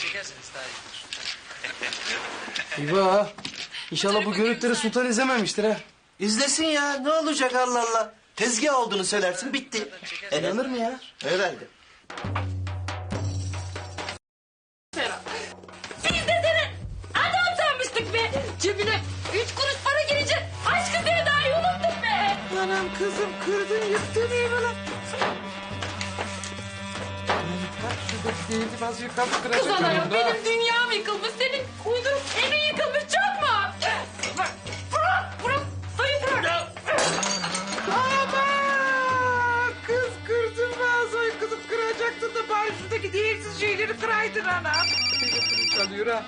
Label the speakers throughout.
Speaker 1: çekerseniz daha iyidir.
Speaker 2: İba, İnşallah bu görüntüleri Sultan izlememiştir ha.
Speaker 3: İzlesin ya, ne olacak Allah Allah. Tezgah olduğunu söylersin, bitti.
Speaker 2: İnanır mı ya?
Speaker 3: Herhalde.
Speaker 4: Biz de seni adam sanmıştık be. Cebine 3 kuruş para girecek. Aşkı sevdayı unuttuk be.
Speaker 5: Anam kızım kırdın yıktın eyvallah. Değildim az yukarı kıracak.
Speaker 4: Kız anayım benim dünyam yıkılmış. Senin uydurup evin yıkılmış çok mu? Bırak. Sayı bırak.
Speaker 5: Aman kız kırdın vazoyu kızım kıracaktın da bari şuradaki değersiz şeyleri kıraydın anam. Telefonum çalıyor ha.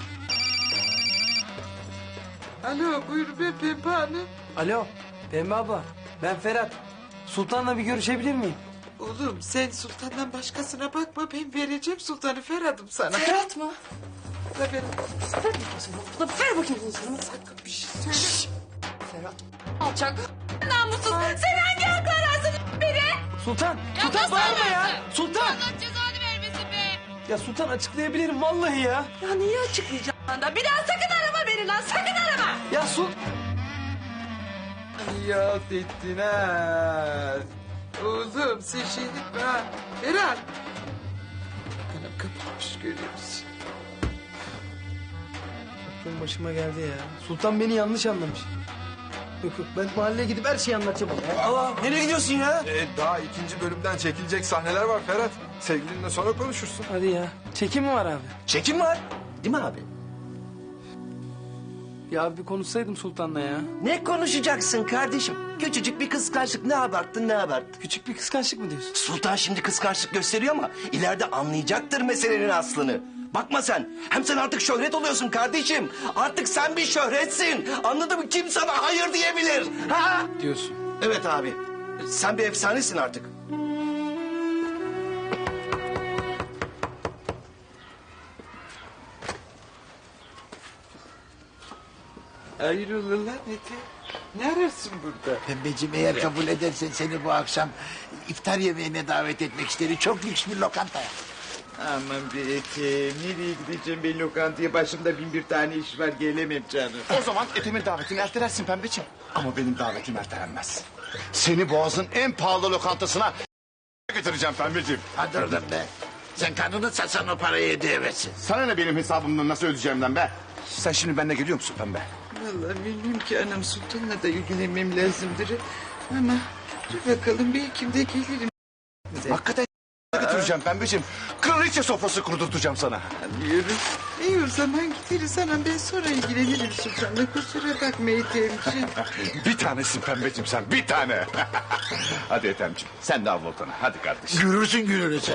Speaker 5: Alo buyurun ben Pembe Hanım.
Speaker 2: Alo, Pembe abla. Ben Ferhat. Sultan'la bir görüşebilir miyim?
Speaker 5: Oğlum sen sultandan başkasına bakma ben vereceğim sultanı Ferhat'ım sana.
Speaker 4: Ferhat mı?
Speaker 5: La ver.
Speaker 4: Ver bakayım bunu sana.
Speaker 5: Sakın bir şey söyle.
Speaker 4: Ferhat. Alçak. Namussuz. Sen hangi hakla ararsın beni?
Speaker 2: Sultan, Sultan
Speaker 4: nasıl
Speaker 2: bağırma ya.
Speaker 4: anlarsın?
Speaker 2: Sultan.
Speaker 4: Allah cezanı vermesin be.
Speaker 2: Ya Sultan açıklayabilirim vallahi ya.
Speaker 4: Ya niye açıklayacağım da? Bir daha sakın arama beni lan. Sakın arama.
Speaker 2: Ya
Speaker 5: Ya ettin ha. Oğlum sen şey etme ha. Ferhat. Anam kapatmış görüyor musun?
Speaker 2: Aklım başıma geldi ya. Sultan beni yanlış anlamış. Yok ben mahalleye gidip her şeyi anlatacağım ona ya.
Speaker 3: Allah, nereye gidiyorsun ya?
Speaker 6: Daha ikinci bölümden çekilecek sahneler var Ferhat. Sevgilinle sonra konuşursun.
Speaker 2: Hadi ya. Çekim mi var abi?
Speaker 3: Çekim var. Değil mi abi?
Speaker 2: Ya bir konuşsaydım Sultan'la ya.
Speaker 3: Ne konuşacaksın kardeşim? Küçücük bir kıskançlık, ne abarttın ne abarttın?
Speaker 2: Küçük bir kıskançlık mı diyorsun?
Speaker 3: Sultan şimdi kıskançlık gösteriyor ama ileride anlayacaktır meselenin aslını. Bakma sen. Hem sen artık şöhret oluyorsun kardeşim. Artık sen bir şöhretsin. Anladın mı? Kim sana hayır diyebilir? Ha?
Speaker 2: Diyorsun.
Speaker 3: Evet abi. Sen bir efsanesin artık.
Speaker 5: Hayrola lan Ete? Ne ararsın burada?
Speaker 7: Pembeciğim eğer kabul edersen seni bu akşam iftar yemeğine davet etmek isterim. Çok lüks bir lokantaya.
Speaker 5: Aman be Ete. Nereye gideceğim ben lokantaya? Başımda bin bir tane iş var gelemem canım.
Speaker 7: O zaman Ethem'in davetini ertelersin Pembeciğim. Ama benim davetim ertelenmez. Seni Boğaz'ın en pahalı lokantasına götüreceğim Pembeciğim. Hadi oradan be. Sen karnını satsan o parayı ödeyemezsin. Sana ne benim hesabımdan nasıl ödeyeceğimden be? Sen şimdi benimle geliyor musun Pembe?
Speaker 5: Vallahi bilmiyorum ki anam sultanla da ilgilenmem lazımdır. Ama dur bakalım belki de gelirim.
Speaker 7: Hakikaten götüreceğim Pembeciğim. Kraliçe sofrası kurdurtacağım sana.
Speaker 5: Anlıyorum. İyi o zaman gideriz anam ben sonra ilgilenirim sultanla. Kusura bakma Ethemciğim.
Speaker 7: Bir tanesin Pembeciğim sen bir tane. Hadi Ethemciğim sen de al voltanı hadi kardeşim. Görürsün görürüz.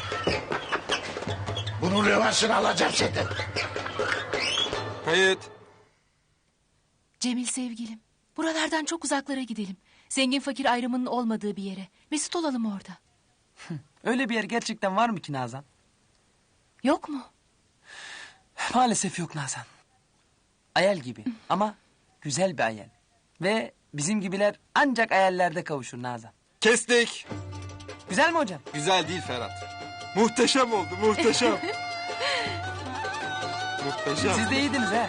Speaker 7: Bunun revansını alacağım senden.
Speaker 6: Kayıt.
Speaker 8: Cemil sevgilim, buralardan çok uzaklara gidelim. Zengin fakir ayrımının olmadığı bir yere. Mesut olalım orada.
Speaker 1: Öyle bir yer gerçekten var mı ki Nazan?
Speaker 8: Yok mu?
Speaker 1: Maalesef yok Nazan. Hayal gibi ama güzel bir hayal. Ve bizim gibiler ancak hayallerde kavuşur Nazan.
Speaker 6: Kestik.
Speaker 1: Güzel mi hocam?
Speaker 6: Güzel değil Ferhat. Muhteşem oldu muhteşem. Muhteşem.
Speaker 1: Siz de iyiydiniz ha.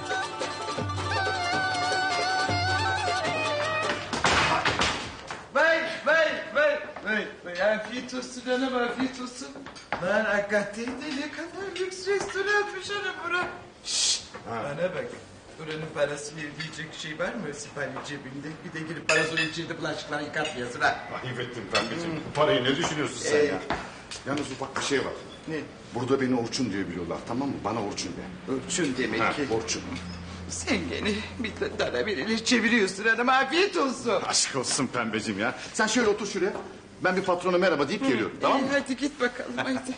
Speaker 5: Vay. Afiyet olsun anam afiyet olsun. Lan hakikaten de ne kadar lüks restoranmış anam bura. Şşt bana bak. Buranın parası verilecek şey var mı sipariş cebinde? Bir de girip parasını içinde bulaşıkları yıkatmayasın ha.
Speaker 7: Ayıp ettim Pembeciğim. Bu parayı ne düşünüyorsun sen ya? Yalnız ufak bir şey var.
Speaker 5: Ne?
Speaker 7: Burada beni Orçun diye biliyorlar tamam mı? Bana Orçun de.
Speaker 5: Orçun demek
Speaker 7: Ha,
Speaker 5: ki.
Speaker 7: Orçun.
Speaker 5: Sen gene bir dara birileri çeviriyorsun hanım afiyet olsun.
Speaker 7: Aşk olsun Pembeciğim ya. Sen şöyle otur şuraya. Ben bir patrona merhaba deyip geliyorum tamam mı?
Speaker 5: Hadi git bakalım haydi.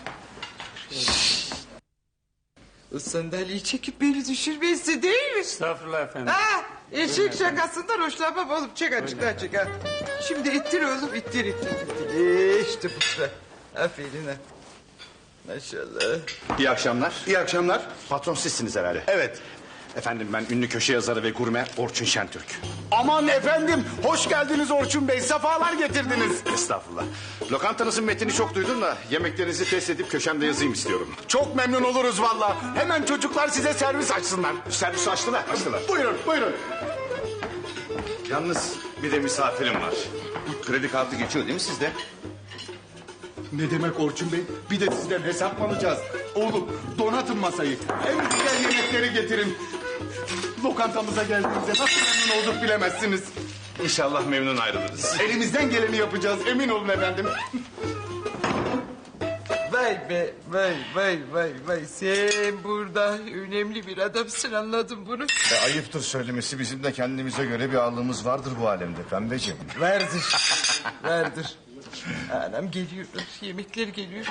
Speaker 5: O sandalyeyi çekip beni düşürmesi değil mi?
Speaker 2: Estağfurullah efendim.
Speaker 5: Ha, eşek şakasından hoşlanmam oğlum. Çek açıktan çek ha. Şimdi ittir oğlum ittir. İşte bu da. Aferin ha. Maşallah.
Speaker 7: İyi akşamlar.
Speaker 6: İyi akşamlar.
Speaker 7: Patron sizsiniz herhalde.
Speaker 6: Evet.
Speaker 7: Efendim ben ünlü köşe yazarı ve gurme Orçun Şentürk. Aman efendim hoş geldiniz Orçun Bey. Sefalar getirdiniz. Estağfurullah. Lokantanızın metnini çok duydum da yemeklerinizi test edip köşemde yazayım istiyorum. Çok memnun oluruz valla. Hemen çocuklar size servis açsınlar. Servis açtılar. Buyurun buyurun. Yalnız bir de misafirim var. Kredi kartı geçiyor değil mi sizde? Ne demek Orçun Bey? Bir de sizden hesap mı alacağız? Oğlum donatın masayı. En güzel yemekleri getirin. Lokantamıza geldiğinizde nasıl memnun olduk bilemezsiniz. İnşallah memnun ayrılırız. Elimizden geleni yapacağız emin olun efendim.
Speaker 5: Vay be, vay. Sen burada önemli bir adamsın, anladım bunu.
Speaker 7: Ayıptır söylemesi bizim de kendimize göre bir ağırlığımız vardır bu alemde pembeciğim.
Speaker 5: Vardır. Anam geliyor, yemekler geliyor.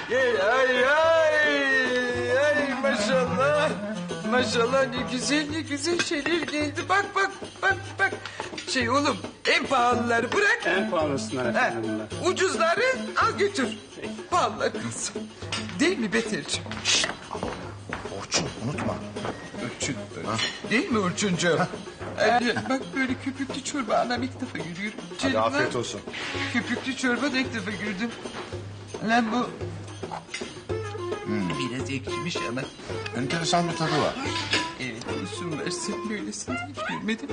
Speaker 5: Ay maşallah. Maşallah ne güzel şeyler geldi. Bak. Şey oğlum, en pahalıları bırak.
Speaker 2: En pahalısından efendim bunlar.
Speaker 5: Ucuzları al götür. Pahalılar kalsın. Değil mi Beterciğim?
Speaker 7: Orçun unutma.
Speaker 5: Orçun. Değil mi Orçuncuğum? Bak böyle köpüklü çorba anam ilk defa görüyorum.
Speaker 7: Hadi
Speaker 5: Canım
Speaker 7: afiyet
Speaker 5: lan.
Speaker 7: olsun.
Speaker 5: Köpüklü çorba da ilk defa gördüm. Lan bu... Biraz ekşimiş ama.
Speaker 7: Enteresan bir tadı var.
Speaker 5: Evet olsun versin böylesini hiç görmedim.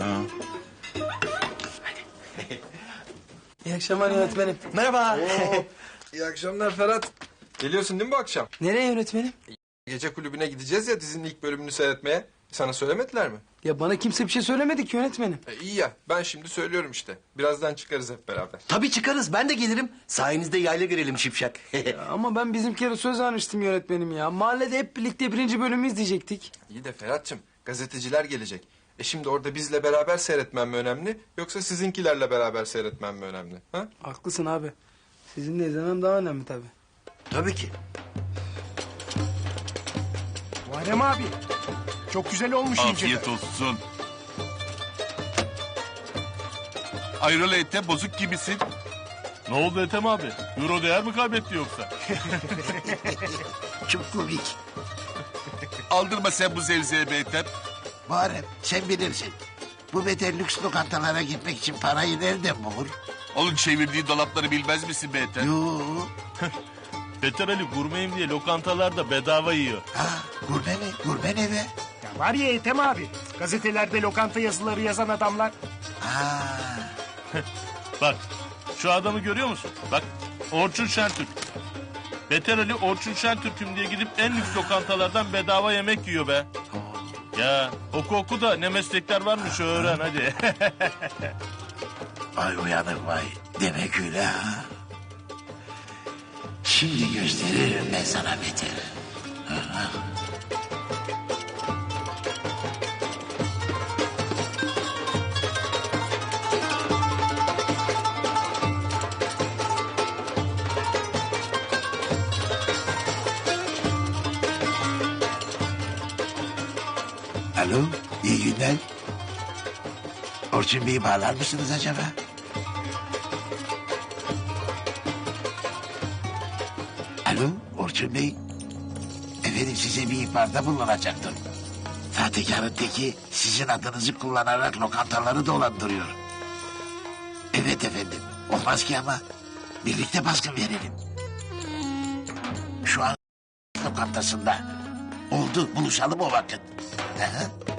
Speaker 2: İyi akşamlar yönetmenim.
Speaker 1: Merhaba.
Speaker 6: İyi akşamlar Ferhat. Geliyorsun değil mi bu akşam?
Speaker 2: Nereye yönetmenim?
Speaker 6: Gece kulübüne gideceğiz ya dizinin ilk bölümünü seyretmeye. Sana söylemediler mi?
Speaker 2: Ya bana kimse bir şey söylemedi ki yönetmenim.
Speaker 6: İyi ya ben şimdi söylüyorum işte. Birazdan çıkarız hep beraber.
Speaker 3: Tabii çıkarız, ben de gelirim. Sayenizde yayla girelim şipşak.
Speaker 2: Ya ama ben bizimkilere söz vermiştim yönetmenim ya. Mahallede hep birlikte 1. bölümü izleyecektik.
Speaker 6: İyi de Ferhat'cığım gazeteciler gelecek. Şimdi orada bizle beraber seyretmem mi önemli yoksa sizinkilerle beraber seyretmem mi önemli? Ha?
Speaker 2: Haklısın abi. Sizinle izlemem daha önemli tabii.
Speaker 3: Tabii ki.
Speaker 7: Muharrem abi. Çok güzel olmuş
Speaker 9: Afiyet olsun. Ayrola ete bozuk gibisin. Ne oldu Ethem abi? Euro değer mi kaybetti yoksa?
Speaker 7: Çok komik.
Speaker 9: Aldırma sen bu zevzeye be Ethem.
Speaker 7: Muharrem sen bilirsin. Bu beter lüks lokantalara gitmek için parayı nereden bulur?
Speaker 9: Onun çevirdiği dolapları bilmez misin be Ethem?
Speaker 7: Yoo.
Speaker 9: Beter Ali gurmeyim diye lokantalarda bedava yiyor.
Speaker 7: Ha, gurme mi? Gurme ne be?
Speaker 10: Ya var ya Ethem abi. Gazetelerde lokanta yazıları yazan adamlar.
Speaker 7: Ha.
Speaker 9: Bak şu adamı görüyor musun? Bak Orçun Şentürk. Beter Ali Orçun Şentürk'üm diye gidip en lüks lokantalardan bedava yemek yiyor be. Ya oku da ne meslekler varmış öğren hadi.
Speaker 7: Vay uyanık vay. Demek öyle ha. Şimdi gösteririm ben sana beter. Alo, iyi günler. Orçun Bey'i bağlar mısınız acaba? Alo, Orçun Bey. Efendim size bir ihbarda bulunacaktım. Sahtekarın teki sizin adınızı kullanarak lokantaları dolandırıyor. Evet efendim, olmaz ki ama birlikte baskın verelim. Şu an lokantasında. Oldu, buluşalım o vakit. Hı hı.